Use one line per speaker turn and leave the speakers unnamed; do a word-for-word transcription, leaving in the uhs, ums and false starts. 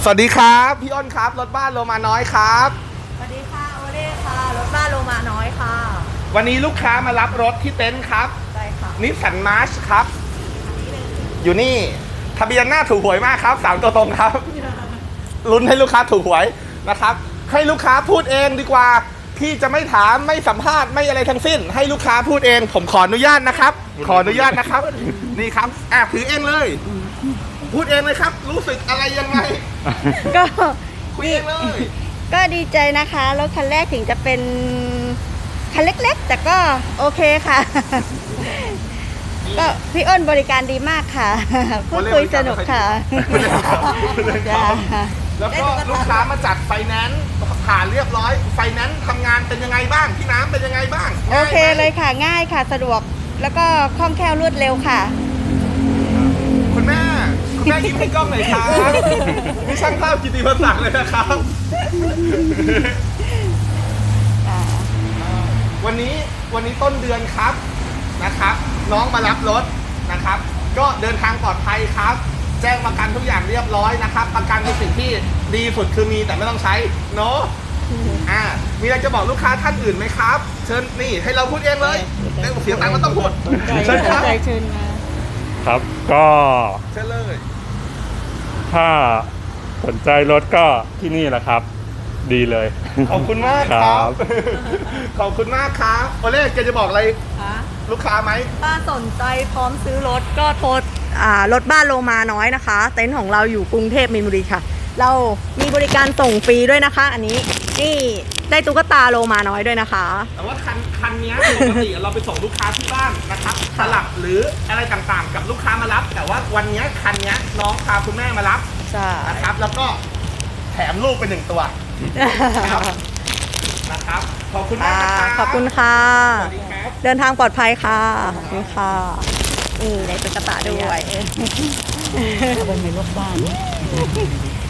วัสดีครับพี่อ้นครับรถบ้านโลมาน้อยครับ
สวัสดีค่ะโอเล่ค่ะรถบ้านโลมาน้อยค่ะ
วันนี้ลูกค้ามารับรถที่เต็นท์ครับ
ใช่ค่ะ
นิสสันมาร์ชครับอยู่นี่ทะเบียนหน้าถูกหวยมากครับสามตัวตรงครับลุ้นให้ลูกค้าถูกหวยนะครับให้ลูกค้าพูดเองดีกว่าพี่จะไม่ถามไม่สัมภาษณ์ไม่อะไรทั้งสิ้นให้ลูกค้าพูดเองผมขออนุญาตนะครับขออนุญาตนะครับนี่ครับแอบถือเองเลยพูดเองเลยครับรู้สึกอะไรยังไง
ก็
คุยเองเลย
ก็ดีใจนะคะรถคันแรกถึงจะเป็นคันเล็กๆแต่ก็โอเคค่ะก็พี่อ้นบริการดีมากค่ะพูดคุยสนุกค่ะ
แล้วก็ลูกค้ามาจัดไฟแนนซ์ผ่านเรียบร้อยไฟแนนซ์ทำงานเป็นยังไงบ้างพี่น้ำเป็นยังไงบ้าง
โอเคเลยค่ะง่ายค่ะสะดวกแล้วก็คล่องแคล่วรวดเร็วค่ะ
คุณแม่คุณแม่ยิ้มให้กล้องหน่อยครับนี่ช่างภาพกิติมศักดิ์เลยนะครับวันนี้วันนี้ต้นเดือนครับนะครับน้องมารับรถนะครับก็เดินทางปลอดภัยครับแจ้งประกันทุกอย่างเรียบร้อยนะครับประกันเป็นสิ่งที่ดีสุดคือมีแต่ไม่ต้องใช้เนาะอ่ามีอะไรจะบอกลูกค้าท่านอื่นไหมครับเชิญนี่ให้เราพูดเองเลยเสียตังค์ก็ต้องพูด
เชิญครับเชิญมา
ครับก็
เชิญเลย
ถ้าสนใจรถก็ที่นี่แหละครับดีเลย
ขอบคุณมากครับขอบคุณมากครับโอเล่แกจะบอกอะไรลูกค้าไหม
ถ้าสนใจพร้อมซื้อรถก็โทรอ่ารถบ้านโลมาน้อยนะคะเต็นท์ของเราอยู่กรุงเทพมีนบุรีค่ะเรามีบริการส่งฟรีด้วยนะคะอันนี้นี่ได้ตุ๊กตาโลมาน้อยด้วยนะคะ
แต่ว่าคันคันนี้ปกติเราไปส่งลูกค้าที่บ้านนะครับสลับหรืออะไรต่างๆกับลูกค้ามารับแต่ว่าวันนี้คันนี้น้องพาคุณแม่มารับนะครับแล้วก็แถมลูกไปหนึ่งตัวนะครับขอบคุณมากครับ
ขอบคุณค่ะเดินทางปลอดภัยค่ะขอบคุณค่ะนี่ได้ตุ๊กตาด้วยเป็นในรถบ้าน